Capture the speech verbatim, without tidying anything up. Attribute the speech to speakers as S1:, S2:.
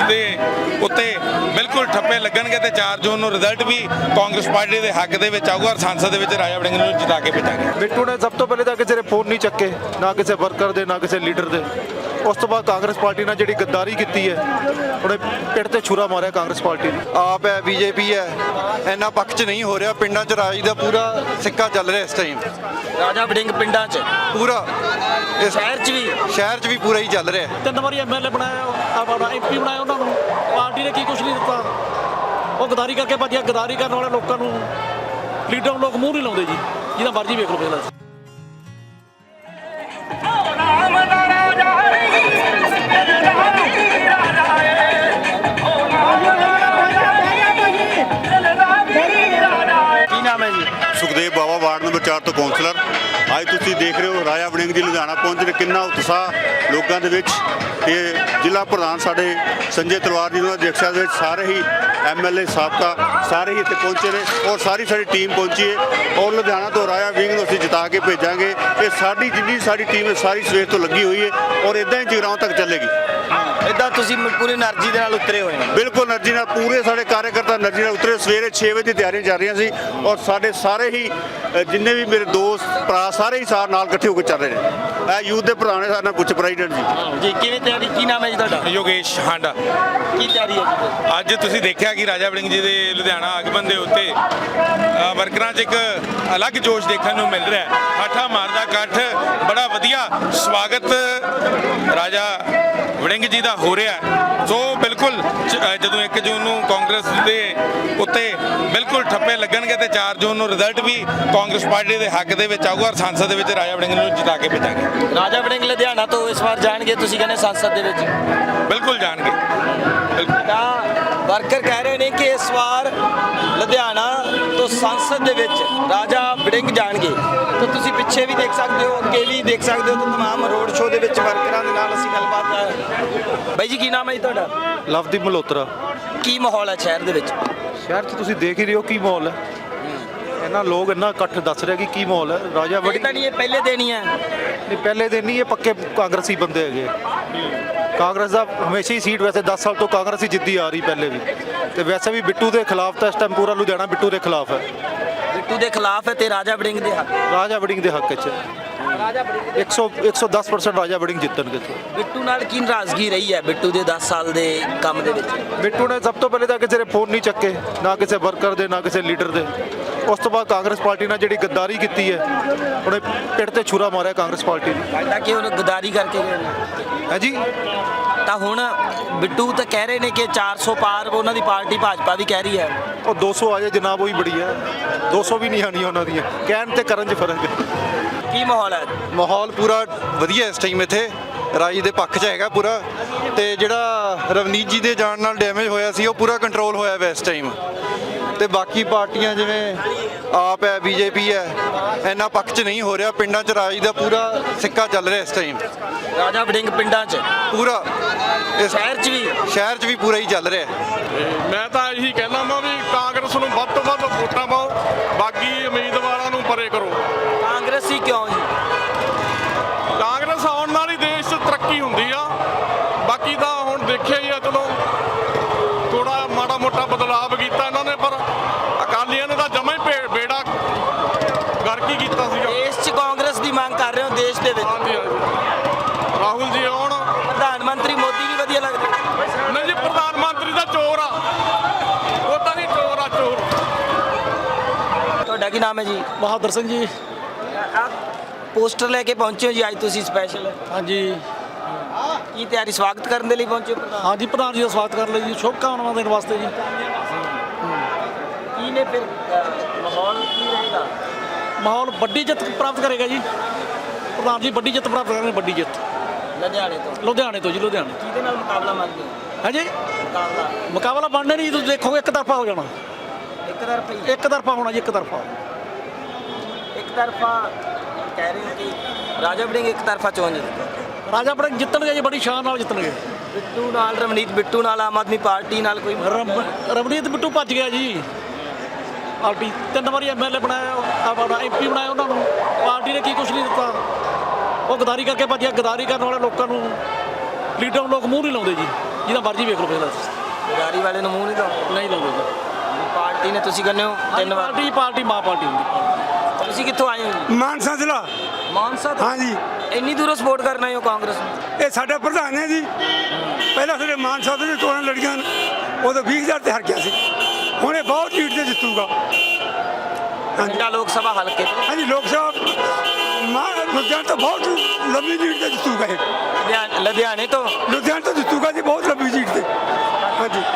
S1: ਦੇ ਉੱਤੇ ਬਿਲਕੁਲ ਠੱਪੇ ਲੱਗਣਗੇ ਤੇ ਚਾਰ ਜੂਨ ਨੂੰ ਰਿਜ਼ਲਟ ਵੀ ਕਾਂਗਰਸ ਪਾਰਟੀ ਦੇ ਹੱਕ ਦੇ ਵਿੱਚ ਆਊਗਾ ਔਰ ਸੰਸਦ ਦੇ ਵਿੱਚ ਰਾਜਾ ਵੜਿੰਗ ਨੂੰ ਜਿਤਾ ਕੇ ਭੇਜਾਂਗੇ।
S2: ਬਿੱਟੂ ਨੇ ਸਭ ਤੋਂ ਪਹਿਲੇ ਤਾਂ ਕਿਸੇ ਦੇ ਫੋਨ ਨਹੀਂ ਚੱਕੇ, ਨਾ ਕਿਸੇ ਵਰਕਰ ਦੇ, ਨਾ ਕਿਸੇ ਲੀਡਰ ਦੇ। ਉਸ ਤੋਂ ਬਾਅਦ ਕਾਂਗਰਸ ਪਾਰਟੀ ਨਾਲ ਜਿਹੜੀ ਗੱਦਾਰੀ ਕੀਤੀ ਹੈ, ਉਹਨੇ ਪਿੱਠ ਤੇ ਛੁਰਾ ਮਾਰਿਆ ਕਾਂਗਰਸ ਪਾਰਟੀ ਨੇ।
S3: ਆਪ ਹੈ, ਬੀਜੇਪੀ ਹੈ, ਇੰਨਾ ਪੱਖ 'ਚ ਨਹੀਂ ਹੋ ਰਿਹਾ। ਪਿੰਡਾਂ 'ਚ ਰਾਜ ਦਾ ਪੂਰਾ ਸਿੱਕਾ ਚੱਲ ਰਿਹਾ ਇਸ ਟਾਈਮ,
S4: ਰਾਜਾ ਵੜਿੰਗ ਪਿੰਡਾਂ 'ਚ
S3: ਪੂਰਾ ਇਸ
S4: ਸ਼ਹਿਰ 'ਚ ਵੀ
S3: ਸ਼ਹਿਰ 'ਚ ਵੀ ਪੂਰਾ ਹੀ ਚੱਲ ਰਿਹਾ।
S5: ਤਿੰਨ ਵਾਰੀ ਐਮਐਲਏ ਬਣਾਇਆ, ਆਪਣਾ ਐਮਪੀ ਬਣਾਇਆ, ਉਹਨਾਂ ਨੂੰ ਪਾਰਟੀ ਨੇ ਕੀ ਕੁਛ ਨਹੀਂ ਦਿੱਤਾ। ਉਹ ਗਦਾਰੀ ਕਰਕੇ ਭੱਜਿਆ। ਗਦਾਰੀ ਕਰਨ ਵਾਲੇ ਲੋਕਾਂ ਨੂੰ ਲੀਡਰ ਨੂੰ ਲੋਕ ਮੂੰਹ ਨਹੀਂ ਲਾਉਂਦੇ ਜੀ, ਜਿਹਦਾ ਮਰਜ਼ੀ ਵੇਖ ਲਓ ਪਹਿਲਾਂ।
S4: ਕੀ ਨਾਮ ਹੈ ਜੀ?
S6: ਸੁਖਦੇਵ ਬਾਵਾ, ਵਾਰਡ ਨੰਬਰ ਚਾਰ ਤੋਂ ਕਾਉਂਸਲਰ। ਅੱਜ ਤੁਸੀਂ ਦੇਖ ਰਹੇ ਹੋ ਰਾਜਾ ਵੜਿੰਗ ਜੀ ਲੁਧਿਆਣਾ ਪਹੁੰਚੇ ਨੇ, ਕਿੰਨਾ ਉਤਸ਼ਾਹ ਲੋਕਾਂ ਦੇ ਵਿੱਚ। ਤੇ ਜ਼ਿਲ੍ਹਾ ਪ੍ਰਧਾਨ ਸਾਡੇ ਸੰਜੇ ਤਲਵਾਰ ਜੀ ਉਹਨਾਂ ਦੀ ਅਧਿਕਸ਼ਤਾ ਦੇ ਵਿੱਚ ਸਾਰੇ ਹੀ ਐਮਐਲਏ ਸਾਬਕਾ ਸਾਰੇ ਹੀ ਇੱਥੇ ਪਹੁੰਚੇ ਨੇ ਔਰ ਸਾਰੀ ਸਾਡੀ ਟੀਮ ਪਹੁੰਚੀ ਹੈ। ਔਰ ਲੁਧਿਆਣਾ ਤੋਂ ਰਾਜਾ ਵੜਿੰਗ ਨੂੰ ਅਸੀਂ ਜਿਤਾ ਕੇ ਭੇਜਾਂਗੇ। ਇਹ ਸਾਡੀ ਜਿੰਨੀ ਸਾਡੀ ਟੀਮ ਹੈ ਸਾਰੀ ਸਵੇਰ ਤੋਂ ਲੱਗੀ ਹੋਈ ਹੈ ਔਰ ਇਦਾਂ ਹੀ ਜਗਰਾਉਂ ਤੱਕ ਚੱਲੇਗੀ।
S4: ਇਦਾਂ ਤੁਸੀਂ ਪੂਰੀ એનર્ਜੀ ਦੇ ਨਾਲ ਉਤਰੇ ਹੋਏ ਹੋ?
S6: ਬਿਲਕੁਲ એનર્ਜੀ ਨਾਲ, ਪੂਰੇ ਸਾਡੇ ਕਾਰਜਕਰਤਾ એનર્ਜੀ ਨਾਲ ਉਤਰੇ। ਸਵੇਰੇ ਛੇ ਵਜੇ ਦੀ ਤਿਆਰੀਆਂ ਚੱਲ ਰਹੀਆਂ ਸੀ ਔਰ ਸਾਡੇ ਸਾਰੇ ਹੀ ਅ, ਜਿੰਨੇ ਵੀ ਮੇਰੇ ਦੋਸਤ ਭਰਾ ਸਾਰੇ ਹੀ ਸਾਰ ਨਾਲ ਇਕੱਠੇ ਹੋ ਕੇ ਚੱਲ ਰਹੇ ਨੇ। ਇਹ ਯੂਥ ਦੇ ਪ੍ਰਧਾਨ ਨੇ ਸਾਡੇ ਨਾਲ ਪੁੱਛ ਪ੍ਰੈਜ਼ੀਡੈਂਟ ਜੀ।
S4: ਜੀ ਕਿਵੇਂ ਤਿਆਰੀ? ਕੀ ਨਾਮ ਹੈ ਜੀ ਤੁਹਾਡਾ?
S1: ਯੋਗੇਸ਼ ਹਾਂਡਾ।
S4: ਕੀ ਤਿਆਰੀ ਹੈ ਜੀ?
S1: ਅੱਜ ਤੁਸੀਂ ਦੇਖਿਆ ਕਿ ਰਾਜਾ ਵੜਿੰਗ ਜੀ ਦੇ ਲੁਧਿਆਣਾ ਆਗਮਨ ਦੇ ਉੱਤੇ ਅ, ਵਰਕਰਾਂ 'ਚ ਇੱਕ ਅਲੱਗ ਜੋਸ਼ ਦੇਖਣ ਨੂੰ ਮਿਲ ਰਿਹਾ ਹੈ। ਹਾਠਾ ਮਾਰਦਾ ਇਕੱਠ, ਬੜਾ ਵਧੀਆ ਸਵਾਗਤ ਰਾਜਾ ਵੜਿੰਗ ਜੀ ਦਾ ਹੋ ਰਿਹਾ ਹੈ। ਸੋ ਬਿਲਕੁਲ ਜ- ਜਦੋਂ ਇੱਕ ਜੂਨ ਨੂੰ ਕਾਂਗਰਸ ਦੇ ਉੱਤੇ ਬਿਲਕੁਲ ਠੱਪੇ ਲੱਗਣਗੇ ਤੇ ਚਾਰ ਜੂਨ ਨੂੰ ਰਿਜ਼ਲਟ ਵੀ ਕਾਂਗਰਸ ਪਾਰਟੀ ਦੇ ਹੱਕ ਦੇ ਵਿੱਚ ਆਊਗਾ ਔਰ ਸੰਸਦ ਦੇ ਵਿੱਚ ਰਾਜਾ ਵੜਿੰਗ ਨੂੰ ਜਿਤਾ ਕੇ ਭੇਜਾਂਗੇ।
S4: ਰਾਜਾ ਵੜਿੰਗ ਲੁਧਿਆਣਾ ਤੋਂ ਇਸ ਵਾਰ ਜਾਣਗੇ, ਤੁਸੀਂ ਕਹਿੰਦੇ ਸੰਸਦ ਦੇ ਵਿੱਚ?
S1: ਬਿਲਕੁਲ ਜਾਣਗੇ। ਬਿਲਕੁਲ।
S4: ਤਾਂ ਵਰਕਰ ਕਹਿ ਰਹੇ ਨੇ ਕਿ ਇਸ ਵਾਰ ਲੁਧਿਆਣਾ ਤੋਂ ਸੰਸਦ ਦੇ ਵਿੱਚ ਰਾਜਾ ਵੜਿੰਗ ਜਾਣਗੇ। ਤਾਂ ਤੁਸੀਂ ਪਿੱਛੇ ਵੀ ਦੇਖ ਸਕਦੇ ਹੋ, ਅੱਗੇ ਵੀ ਦੇਖ ਸਕਦੇ ਹੋ। ਤਾਂ ਤਮਾਮ ਰੋਡ ਸ਼ੋਅ ਦੇ ਵਿੱਚ ਵਰਕਰਾਂ ਦੇ ਨਾਲ ਅਸੀਂ ਗੱਲਬਾਤ। ਬਾਈ ਜੀ ਕੀ ਨਾਮ ਹੈ ਜੀ ਤੁਹਾਡਾ?
S2: ਲਵਦੀਪ ਮਲਹੋਤਰਾ।
S4: ਕੀ ਮਾਹੌਲ ਹੈ ਸ਼ਹਿਰ ਦੇ ਵਿੱਚ?
S2: ਸ਼ਹਿਰ 'ਚ ਤੁਸੀਂ ਦੇਖ ਹੀ ਰਹੇ ਹੋ ਕੀ ਮਾਹੌਲ ਹੈ। ਇਹਨਾਂ ਲੋਕ ਇੰਨਾ ਇਕੱਠ ਦੱਸ ਰਿਹਾ ਕਿ ਕੀ ਮਾਹੌਲ ਹੈ। ਰਾਜਾ
S4: ਇਹ
S2: ਵੜਿੰਗ
S4: ਤਾਂ ਨਹੀਂ ਇਹ ਪਹਿਲੇ ਦਿਨ ਹੀ ਹੈ।
S2: ਨਹੀਂ, ਪਹਿਲੇ ਦਿਨ ਨਹੀਂ, ਇਹ ਪੱਕੇ ਕਾਂਗਰਸੀ ਬੰਦੇ ਹੈਗੇ। ਕਾਂਗਰਸ ਦਾ ਹਮੇਸ਼ਾ ਹੀ ਸੀਟ, ਵੈਸੇ ਦਸ ਸਾਲ ਤੋਂ ਕਾਂਗਰਸ ਹੀ ਜਿੱਦੀ ਆ ਰਹੀ ਪਹਿਲੇ ਵੀ। ਤੇ ਵੈਸੇ ਵੀ ਬਿੱਟੂ ਦੇ ਖਿਲਾਫ ਤਾਂ ਇਸ ਟਾਈਮ ਪੂਰਾ ਲੁਧਿਆਣਾ ਬਿੱਟੂ ਦੇ ਖਿਲਾਫ ਹੈ।
S4: ਬਿੱਟੂ ਦੇ ਖਿਲਾਫ ਹੈ ਤੇ ਰਾਜਾ ਵੜਿੰਗ ਦੇ ਹੱਕ।
S2: ਰਾਜਾ ਵੜਿੰਗ ਦੇ ਹੱਕ 'ਚ ਇੱਕ ਸੌ ਇੱਕ ਸੌ ਦਸ ਪਰਸੈਂਟ ਰਾਜਾ ਵੜਿੰਗ ਜਿੱਤਣਗੇ।
S4: ਬਿੱਟੂ ਨਾਲ ਕੀ ਨਾਰਾਜ਼ਗੀ ਰਹੀ ਹੈ ਬਿੱਟੂ ਦੇ ਦਸ ਸਾਲ ਦੇ ਕੰਮ ਦੇ ਵਿੱਚ?
S2: ਬਿੱਟੂ ਨੇ ਸਭ ਤੋਂ ਪਹਿਲੇ ਤਾਂ ਕਿਸੇ ਦੇ ਫੋਨ ਨਹੀਂ ਚੱਕੇ, ਨਾ ਕਿਸੇ ਵਰਕਰ ਦੇ, ਨਾ ਕਿਸੇ ਲੀਡਰ ਦੇ। ਉਸ ਤੋਂ ਬਾਅਦ ਕਾਂਗਰਸ ਪਾਰਟੀ ਨਾਲ ਜਿਹੜੀ ਗੱਦਾਰੀ ਕੀਤੀ ਹੈ, ਉਹਨੇ ਪਿੱਠ ਤੇ ਛੁਰਾ ਮਾਰਿਆ ਕਾਂਗਰਸ ਪਾਰਟੀ ਨੇ।
S4: ਲੱਗਦਾ ਕਿ ਉਹ ਗਦਾਰੀ ਕਰਕੇ ਗਏ ਨੇ।
S2: ਹੈ ਜੀ।
S4: ਤਾਂ ਹੁਣ ਬਿੱਟੂ ਤਾਂ ਕਹਿ ਰਹੇ ਨੇ ਕਿ ਚਾਰ ਸੌ ਪਾਰ ਉਹਨਾਂ ਦੀ ਪਾਰਟੀ ਭਾਜਪਾ ਵੀ ਕਹਿ ਰਹੀ ਹੈ।
S2: ਉਹ ਦੋ ਸੌ ਆ ਜਾਏ ਜਨਾਬ, ਉਹੀ ਬੜੀ ਹੈ। ਦੋ ਸੌ ਵੀ ਨਹੀਂ ਆਣੀਆਂ ਉਹਨਾਂ ਦੀਆਂ, ਕਹਿਣ ਤੇ ਕਰਨ 'ਚ ਫਰਕ ਹੈ।
S4: ਕੀ ਮਾਹੌਲ ਹੈ?
S3: ਮਾਹੌਲ ਪੂਰਾ ਵਧੀਆ ਇਸ ਟਾਈਮ ਇੱਥੇ ਰਾਜ ਦੇ ਪੱਖ 'ਚ ਹੈਗਾ ਪੂਰਾ। ਤੇ ਜਿਹੜਾ ਰਵਨੀਤ ਜੀ ਦੇ ਜਾਣ ਨਾਲ ਡੈਮੇਜ ਹੋਇਆ ਸੀ ਉਹ ਪੂਰਾ ਕੰਟਰੋਲ ਹੋਇਆ ਵਾ ਇਸ ਟਾਈਮ। ਤੇ ਬਾਕੀ ਪਾਰਟੀਆਂ ਜਿਵੇਂ ਆਪ ਹੈ, ਬੀਜੇਪੀ ਹੈ, ਇੰਨਾ ਪੱਖ 'ਚ ਨਹੀਂ ਹੋ ਰਿਹਾ। ਪਿੰਡਾਂ 'ਚ ਰਾਜ ਦਾ ਪੂਰਾ ਸਿੱਕਾ ਚੱਲ ਰਿਹਾ ਇਸ ਟਾਈਮ,
S4: ਰਾਜਾ ਵੜਿੰਗ ਪਿੰਡਾਂ 'ਚ
S3: ਪੂਰਾ ਇਸ
S4: ਸ਼ਹਿਰ 'ਚ ਵੀ
S3: ਸ਼ਹਿਰ 'ਚ ਵੀ ਪੂਰਾ ਹੀ ਚੱਲ ਰਿਹਾ।
S7: ਮੈਂ ਤਾਂ ਇਹੀ ਕਹਿਣਾ ਵਾ ਵੀ ਕਾਂਗਰਸ ਨੂੰ ਵੱਧ ਤੋਂ ਵੱਧ ਵੋਟਾਂ ਪਾਓ, ਬਾਕੀ ਉਮੀਦਵਾਰਾਂ ਨੂੰ ਪਰੇ ਕਰੋ।
S4: ਕਾਂਗਰਸੀ ਕਿਉਂ ਜੀ?
S7: ਕਾਂਗਰਸ ਆਉਣ ਨਾਲ ਹੀ ਦੇਸ਼ 'ਚ ਤਰੱਕੀ ਹੁੰਦੀ ਆ। ਬਾਕੀ ਤਾਂ ਹੁਣ ਦੇਖਿਆ ਹੀ ਆ, ਚਲੋ ਥੋੜਾ ਮਾੜਾ ਮੋਟਾ ਬਦਲਾਵ ਕੀਤਾ ਇਹਨਾਂ ਨੇ, ਪਰ ਅਕਾਲੀਆਂ ਨੇ ਤਾਂ ਜਮਾਂ ਹੀ ਭੇ- ਬੇੜਾ ਗਰਕ ਹੀ ਕੀਤਾ ਸੀਗਾ।
S4: ਦੇਸ਼ 'ਚ ਕਾਂਗਰਸ ਦੀ ਮੰਗ ਕਰ ਰਹੇ ਹੋ ਦੇਸ਼ ਦੇ ਵਿੱਚ?
S7: ਹਾਂਜੀ ਹਾਂਜੀ, ਰਾਹੁਲ ਜੀ ਆਉਣ।
S4: ਪ੍ਰਧਾਨ ਮੰਤਰੀ ਮੋਦੀ ਵੀ ਵਧੀਆ ਲੱਗਦੇ?
S7: ਨਹੀਂ ਜੀ, ਪ੍ਰਧਾਨ ਮੰਤਰੀ ਦਾ ਚੋਰ ਆ, ਉਹ ਤਾਂ ਨਹੀਂ ਚੋਰ ਆ, ਚੋਰ।
S4: ਤੁਹਾਡਾ ਕੀ ਨਾਮ ਹੈ ਜੀ?
S5: ਬਹਾਦਰ ਸਿੰਘ ਜੀ।
S4: ਪੋਸਟਰ ਲੈ ਕੇ ਪਹੁੰਚੇ ਹੋ ਜੀ ਅੱਜ ਤੁਸੀਂ ਸਪੈਸ਼ਲ?
S5: ਹਾਂਜੀ
S4: ਕੀ ਤਿਆਰੀ, ਸਵਾਗਤ ਕਰਨ ਦੇ ਲਈ ਪਹੁੰਚੇ ਹੋ ਪ੍ਰਧਾਨ?
S5: ਹਾਂਜੀ, ਪ੍ਰਧਾਨ ਜੀ ਦਾ ਸਵਾਗਤ ਕਰ ਲਈ ਜੀ, ਸ਼ੁਭਕਾਮਨਾਵਾਂ ਦੇਣ ਵਾਸਤੇ ਜੀ।
S4: ਕੀ ਨੇ ਫਿਰ ਅ, ਮਾਹੌਲ ਕੀ ਰਹੇਗਾ?
S5: ਮਾਹੌਲ ਵੱਡੀ ਜਿੱਤ ਪ੍ਰਾਪਤ ਕਰੇਗਾ ਜੀ ਪ੍ਰਧਾਨ ਜੀ, ਵੱਡੀ ਜਿੱਤ ਪ੍ਰਾਪਤ ਕਰਨਗੇ, ਵੱਡੀ ਜਿੱਤ
S4: ਲੁਧਿਆਣੇ ਤੋਂ?
S5: ਲੁਧਿਆਣੇ ਤੋਂ ਜੀ, ਲੁਧਿਆਣੇ।
S4: ਕਿਹਦੇ ਨਾਲ ਮੁਕਾਬਲਾ ਮੰਨਦੇ ਹੋ?
S5: ਹਾਂਜੀ,
S4: ਮੁਕਾਬਲਾ
S5: ਮੁਕਾਬਲਾ ਬਣਨੇ ਨਹੀਂ, ਤੁਸੀਂ ਦੇਖੋਗੇ ਇੱਕ ਤਰਫਾ ਹੋ ਜਾਣਾ।
S4: ਇੱਕ ਤਰਫਾ ਹੀ?
S5: ਇੱਕ ਤਰਫਾ ਹੋਣਾ ਜੀ, ਇੱਕ ਤਰਫਾ।
S4: ਇੱਕ ਤਰਫਾ ਕਹਿ ਰਹੇ ਹੋ ਕਿ ਰਾਜਾ ਵੜਿੰਗ ਇੱਕ ਤਰਫਾ ਚੋਣ ਜਿੱਤੇਗਾ?
S5: ਰਾਜਾ ਵੜਿੰਗ ਜਿੱਤਣਗੇ ਜੀ, ਬੜੀ ਸ਼ਾਨ ਨਾਲ ਜਿੱਤਣਗੇ।
S4: ਬਿੱਟੂ ਨਾਲ, ਰਵਨੀਤ ਬਿੱਟੂ ਨਾਲ, ਆਮ ਆਦਮੀ ਪਾਰਟੀ ਨਾਲ ਕੋਈ?
S5: ਰਵ- ਰਵਨੀਤ ਬਿੱਟੂ ਭੱਜ ਗਿਆ ਜੀ। ਪਾਰਟੀ ਤਿੰਨ ਵਾਰੀ ਐਮਐਲਏ ਬਣਾਇਆ, ਆਪਣਾ ਐਮਪੀ ਬਣਾਇਆ, ਉਹਨਾਂ ਨੂੰ ਪਾਰਟੀ ਨੇ ਕੀ ਕੁਛ ਨਹੀਂ ਦਿੱਤਾ। ਉਹ ਗਦਾਰੀ ਕਰਕੇ ਭੱਜਿਆ। ਗਦਾਰੀ ਕਰਨ ਵਾਲੇ ਲੋਕਾਂ ਨੂੰ ਲੀਡਰ ਨੂੰ ਲੋਕ ਮੂੰਹ ਨਹੀਂ ਲਾਉਂਦੇ ਜੀ। ਜਿਹਦਾ ਮਰਜ਼ੀ ਵੇਖ ਲਓ ਪਹਿਲਾਂ
S4: ਗਦਾਰੀ ਵਾਲੇ ਨੂੰ ਮੂੰਹ ਨਹੀਂ ਲਾਉਂਦੇ
S5: ਨਹੀਂ ਲਾਉਂਦੇ ਜੀ
S4: ਪਾਰਟੀ ਨੇ ਤੁਸੀਂ ਕਹਿੰਦੇ ਹੋ ਤਿੰਨ ਵਾਰ
S5: ਪਾਰਟੀ ਪਾਰਟੀ ਮਾਂ ਪਾਰਟੀ ਹੁੰਦੀ
S4: ਤੁਸੀਂ ਕਿੱਥੋਂ ਆਏ ਹੋ ਜੀ?
S8: ਮਾਨਸਾ ਜ਼ਿਲ੍ਹਾ
S4: ਮਾਨਸਾ ਤੋਂ
S8: ਹਾਂਜੀ
S4: ਇੰਨੀ ਦੂਰੋਂ ਸਪੋਰਟ ਕਰਨਾ ਹੈ ਉਹ ਕਾਂਗਰਸ ਨੂੰ
S8: ਇਹ ਸਾਡਾ ਪ੍ਰਧਾਨ ਹੈ ਜੀ ਪਹਿਲਾਂ ਸਾਡੇ ਮਾਨਸਾ ਤੋਂ ਚੋਣਾਂ ਲੜੀਆਂ ਨੇ, ਉਦੋਂ ਵੀਹ ਹਜ਼ਾਰ ਤੇ ਹਾਰ ਗਿਆ ਸੀ, ਹੁਣ ਇਹ ਬਹੁਤ ਲੀਡ ਤੇ ਜਿੱਤੂਗਾ। ਹਾਂਜੀ
S4: ਪਿੰਡਾ ਲੋਕ ਸਭਾ ਹਲਕੇ ਤੋਂ
S8: ਹਾਂਜੀ ਲੋਕ ਸਭਾ ਮਾਂ ਲੁਧਿਆਣਾ ਤੋਂ ਬਹੁਤ ਲੰਬੀ ਲੀਡ ਤੇ ਜਿੱਤੂਗਾ ਇਹ
S4: ਲੁਧਿਆਣੇ- ਲੁਧਿਆਣੇ ਤੋਂ
S8: ਲੁਧਿਆਣਾ ਤੋਂ ਜਿੱਤੂਗਾ ਜੀ ਬਹੁਤ ਲੰਬੀ ਲੀਡ ਤੇ ਹਾਂਜੀ